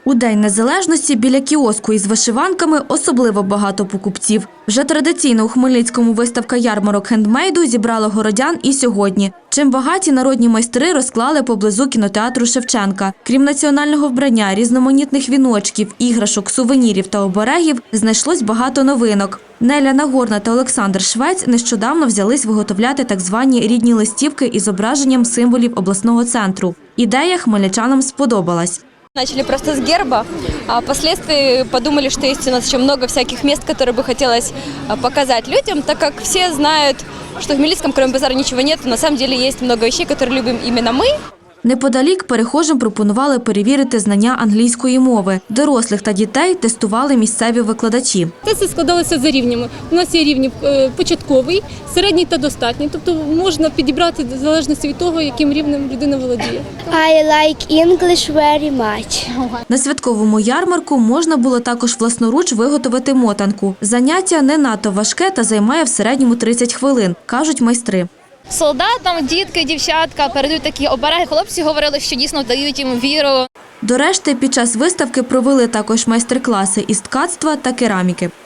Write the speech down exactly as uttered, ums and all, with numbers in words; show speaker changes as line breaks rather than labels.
У День Незалежності біля кіоску із вишиванками особливо багато покупців. Вже традиційно у Хмельницькому виставка ярмарок хендмейду зібрала городян і сьогодні. Чим багаті народні майстри розклали поблизу кінотеатру Шевченка. Крім національного вбрання, різноманітних віночків, іграшок, сувенірів та оберегів, знайшлось багато новинок. Неля Нагорна та Олександр Швець нещодавно взялись виготовляти так звані рідні листівки із зображенням символів обласного центру. Ідея хмельничанам сподобалась.
Начали просто с герба, а впоследствии подумали, что есть у нас еще много всяких мест, которые бы хотелось показать людям, так как все знают, что в Хмельницком, кроме базара, ничего нет. На самом деле есть много вещей, которые любим именно мы.
Неподалік перехожим пропонували перевірити знання англійської мови. Дорослих та дітей тестували місцеві викладачі.
Тести складалися за рівнями. У нас є рівні початковий, середній та достатній. Тобто можна підібрати в залежності від того, яким рівнем людина володіє.
I like English very much.
На святковому ярмарку можна було також власноруч виготовити мотанку. Заняття не надто важке та займає в середньому тридцять хвилин, кажуть майстри.
Солдатам, дітки, дівчатка передають такі обереги. Хлопці говорили, що дійсно дають їм віру.
До решти, під час виставки провели також майстер-класи із ткацтва та кераміки.